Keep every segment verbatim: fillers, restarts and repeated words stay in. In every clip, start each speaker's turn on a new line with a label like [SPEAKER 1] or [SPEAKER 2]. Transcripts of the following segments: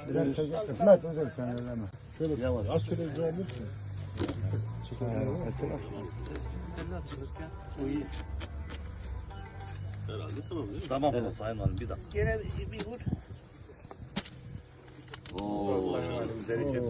[SPEAKER 1] Biraz çek. İsmet özel sen öyleme.
[SPEAKER 2] Şöyle yavaş. Az şöyle icra alırsın.
[SPEAKER 3] Telli açılırken o iyi.
[SPEAKER 4] Herhalde tamam değil mi?
[SPEAKER 5] Tamam evet. Sayın Valim bir dakika.
[SPEAKER 3] Gene bir, bir vur.
[SPEAKER 4] Oo.
[SPEAKER 5] Bereket.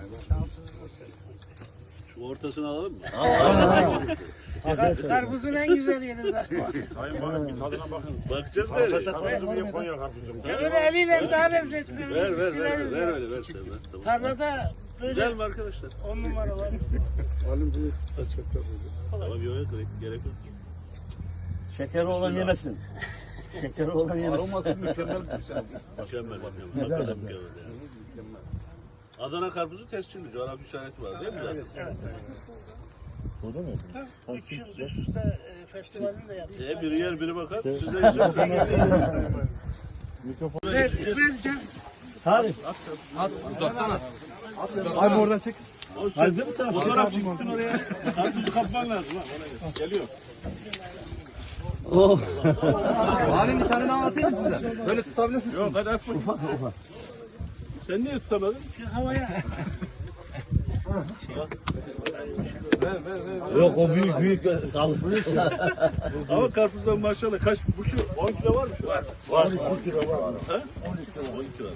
[SPEAKER 4] Şu ortasını alalım mı?
[SPEAKER 3] Karpuzun en güzel yeri zaten.
[SPEAKER 2] Sayın Valim bir tadına bakın.
[SPEAKER 4] Bakacağız böyle.
[SPEAKER 2] Karpuzum diye Konya karpuzum.
[SPEAKER 3] Öyle eliyle daha lezzetli.
[SPEAKER 4] Ver ver ver ver öyle ver sen ver. Tamam.
[SPEAKER 3] Tarlada
[SPEAKER 4] Güzel
[SPEAKER 3] böyle
[SPEAKER 4] mi arkadaşlar?
[SPEAKER 3] on numara var.
[SPEAKER 2] Valim bunu açıkta
[SPEAKER 4] Tamam yok gerek, gerek yok.
[SPEAKER 5] Şekeri olan yemesin. Şekeri olan yemesin.
[SPEAKER 2] Aroması mükemmel bir şey.
[SPEAKER 4] Mükemmel. Mükemmel. Mükemmel. yani. Adana karpuzu tescilli. Coğrafi işareti var değil mi zaten?
[SPEAKER 3] Evet.
[SPEAKER 2] Burada mı?
[SPEAKER 3] Üç yıl üst üste e, festivalini de yaptık.
[SPEAKER 4] E, biri yer biri bakar. Size güzel.
[SPEAKER 2] Mikrofon.
[SPEAKER 3] Ver, vereceğim.
[SPEAKER 5] Hadi.
[SPEAKER 2] Abi oradan çek.
[SPEAKER 4] O sen de mi sen? Fotoğraf çıktın oraya. Karpuzu kapman lazım. Ha, ona göre. Geliyor.
[SPEAKER 6] Halim bir tane daha atayım mı size? Böyle tutabilirsiniz.
[SPEAKER 4] Yok hadi at bakayım. Sen niye tutamadın?
[SPEAKER 3] Şu havaya.
[SPEAKER 5] Yok o büyük büyük kalıp.
[SPEAKER 4] Ama karpuzdan maşallah kaç bu şu on kilo var mı şu? Var.
[SPEAKER 5] Var. on kilo var.
[SPEAKER 4] Ha? on kilo.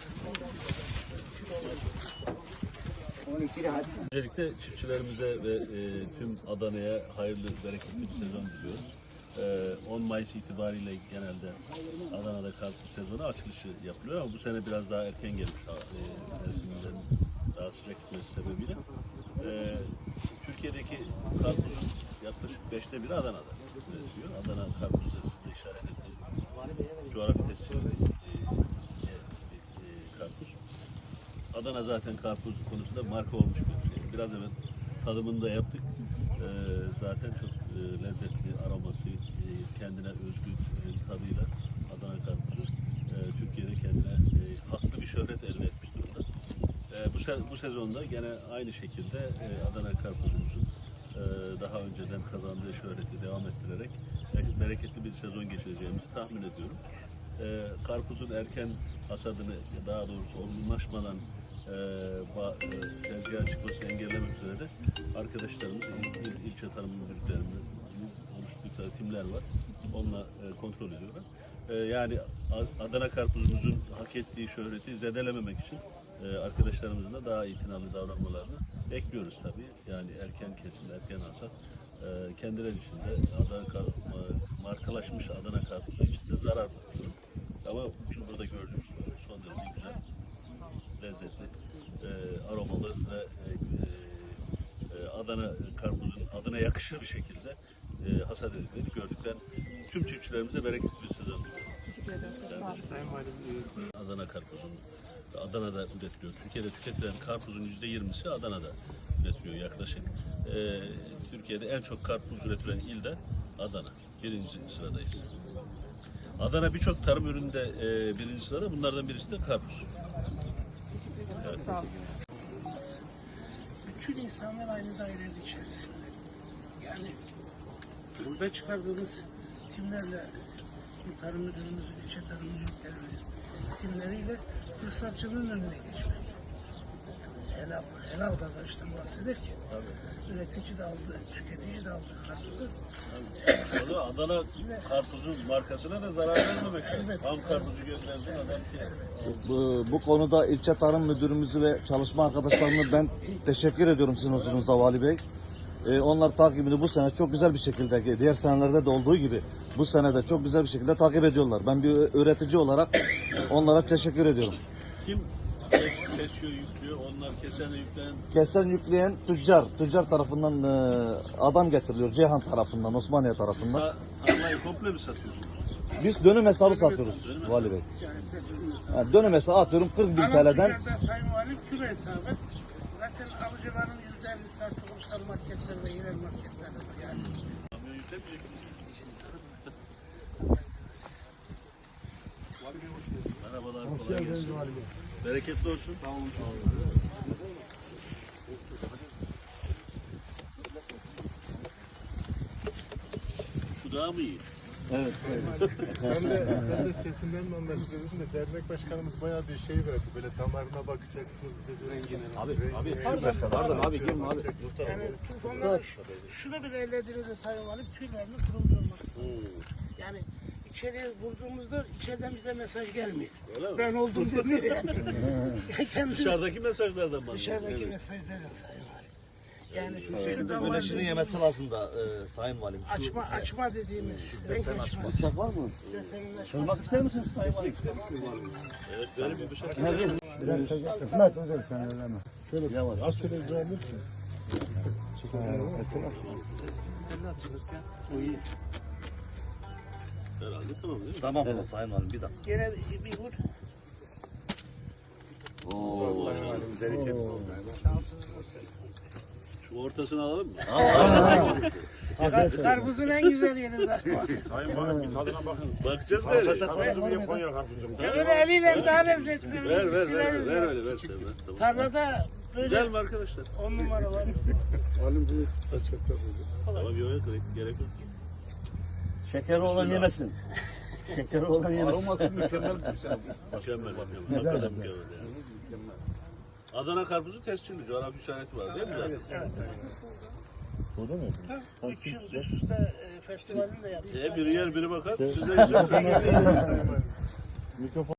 [SPEAKER 4] Öncelikle çiftçilerimize ve e, tüm Adana'ya hayırlı, bereketli bir sezon diliyoruz. E, on Mayıs itibariyle genelde Adana'da karpuz sezonu açılışı yapılıyor ama bu sene biraz daha erken gelmiş e, mevsimlerin daha sıcak gitmesi sebebiyle. E, Türkiye'deki karpuzun yaklaşık beşte biri Adana'da üretiliyor. Adana karpuzu da sizde işaret ettiğiniz coğrafi tescilli e, e, e, karpuz. Adana zaten karpuz konusunda marka olmuş bir şey. Biraz evvel tadımını da yaptık. Ee, zaten çok e, lezzetli aroması, e, kendine özgü e, tadıyla Adana karpuzu e, Türkiye'de kendine e, haklı bir şöhret elde etmiş durumda. E, bu, se bu sezonda gene aynı şekilde e, Adana karpuzumuzun e, daha önceden kazandığı şöhreti devam ettirerek e, bereketli bir sezon geçireceğimizi tahmin ediyorum. E, karpuzun erken hasadını, daha doğrusu olgunlaşmadan e, ba, e, tezgaha çıkmasını engellemek üzere de arkadaşlarımız, il, il, ilçe tarım müdürlüklerimiz oluşturdukları timler var. Onunla e, kontrol ediyorlar. E, yani Adana karpuzumuzun hak ettiği şöhreti zedelememek için e, arkadaşlarımızın da daha itinalı davranmalarını bekliyoruz tabii. Yani erken kesim, erken hasat. E, kendileri için de Adana kar, markalaşmış Adana karpuzu için de zarar durum. Ama bugün burada gördüğümüz son derece güzel, lezzetli, e, aromalı ve e, e, Adana karpuzun adına yakışır bir şekilde e, hasat edildiğini gördükten tüm çiftçilerimize bereketli bir sezon diliyorum. Adana karpuzun Adana'da üretiliyor. Türkiye'de tüketilen karpuzun yüzde yirmisi Adana'da üretiliyor yaklaşık. E, Türkiye'de en çok karpuz üretilen il de Adana. Birinci sıradayız. Adana birçok tarım üründe e, birinci sırada. Bunlardan birisi de karpuz. Evet.
[SPEAKER 3] Bütün insanlar aynı dairenin içerisinde. Yani burada çıkardığımız timlerle tarım müdürümüzün, ilçe tarım müdürlüklerimizin timleriyle fırsatçılığın önüne geçmek. Helal, helal kazançtan bahsederken üretici de aldı, tüketici de aldı karpuzu.
[SPEAKER 4] O da Adana karpuzun markasına da zarar vermemek lazım. Ham karpuzu gönderdin adam ki.
[SPEAKER 5] Bu, bu konuda ilçe tarım müdürümüzü ve çalışma arkadaşlarımı ben teşekkür ediyorum sizin huzurunuzda Vali Bey. Ee, onlar takibini bu sene çok güzel bir şekilde, diğer senelerde de olduğu gibi bu sene de çok güzel bir şekilde takip ediyorlar. Ben bir üretici olarak onlara teşekkür ediyorum.
[SPEAKER 4] Kim kes, kesiyor, yüklüyor, onlar kesen, yükleyen.
[SPEAKER 5] Kesen yükleyen tüccar, tüccar tarafından e, adam getiriliyor. Ceyhan tarafından, Osmaniye tarafından.
[SPEAKER 4] Ha, tarlayı komple mi satıyorsunuz?
[SPEAKER 5] Biz dönüm hesabı satıyoruz Vali Bey. Yani dönüm hesabı atıyorum kırk bin T L'den.
[SPEAKER 3] Sayın Valim kilo hesabı. Zaten alıcıların yüzde ellisi artık ulusal marketler ve yerel marketler var yani.
[SPEAKER 4] Kamyon yüklemeyecek misiniz? Merhabalar, kolay gelsin. Bereketli olsun. Sağ olun. Şu daha mı iyi?
[SPEAKER 5] Evet.
[SPEAKER 2] Ben de, ben de sesinden mi anlaşılıyordum da dernek başkanımız bayağı bir şey verdi. Böyle damarına bakacaksınız dedi. Rengine. Abi, abi.
[SPEAKER 6] Pardon abi girme abi.
[SPEAKER 3] Yani onları şunu bile ellediğinizde Sayın Valim tüylerini kırıldırmak. Yani içeriye vurduğumuzda içeriden bize mesaj gelmiyor. Ben oldum demiyor yani. Kendi
[SPEAKER 4] Dışarıdaki mesajlardan bahsediyor.
[SPEAKER 3] dışarıdaki mesajlarla Sayın Valim. Yani şu
[SPEAKER 5] Güneşinin
[SPEAKER 3] davayı
[SPEAKER 5] yemesi lazım da e, Sayın Valim. Şu
[SPEAKER 3] açma açma dediğimiz
[SPEAKER 5] desen
[SPEAKER 3] renk
[SPEAKER 5] açma.
[SPEAKER 3] açma.
[SPEAKER 5] var mı?
[SPEAKER 3] Desenin açma.
[SPEAKER 5] Sormak ister misiniz Sayın Valim?
[SPEAKER 4] Evet, böyle bir şey.
[SPEAKER 1] Biraz çek. Kısmet özel sen elleme.
[SPEAKER 2] Şöyle yavaş. Az şöyle icra alırsın.
[SPEAKER 4] Herhalde tamam değil mi?
[SPEAKER 5] Tamam evet. Sayın Valim bir dakika.
[SPEAKER 3] Gene bir, bir vur.
[SPEAKER 4] Şu ortasını alalım mı?
[SPEAKER 3] Kar- Karpuzun en güzel yeri zaten.
[SPEAKER 2] Sayın Valim bir tadına bakın.
[SPEAKER 4] Bakacağız böyle.
[SPEAKER 2] Karpuzu niye Konya karpuzu?
[SPEAKER 3] Öyle eliyle daha lezzetli.
[SPEAKER 4] Ver ver ver
[SPEAKER 3] Sileriz
[SPEAKER 4] ver
[SPEAKER 3] ya.
[SPEAKER 4] öyle ver sen ver. Tamam.
[SPEAKER 3] Tarlada böyle
[SPEAKER 4] Güzel mi arkadaşlar?
[SPEAKER 3] on numara var.
[SPEAKER 2] Valim bunu açacaklar dedi.
[SPEAKER 4] Tamam yok yok gerek yok.
[SPEAKER 5] Şekeri olan yemesin. Şekeri olan yemesin.
[SPEAKER 2] Aroması mükemmel bir şey.
[SPEAKER 4] Mükemmel. Mükemmel. Hakikaten mükemmel yani. Adana karpuzu tescilli. Coğrafi işareti var değil mi zaten?
[SPEAKER 2] Burada mı?
[SPEAKER 3] Üç yıl üst üste e, festivalini de yaptık.
[SPEAKER 4] E, biri yer biri bakar. Size güzel.
[SPEAKER 2] Mikrofon.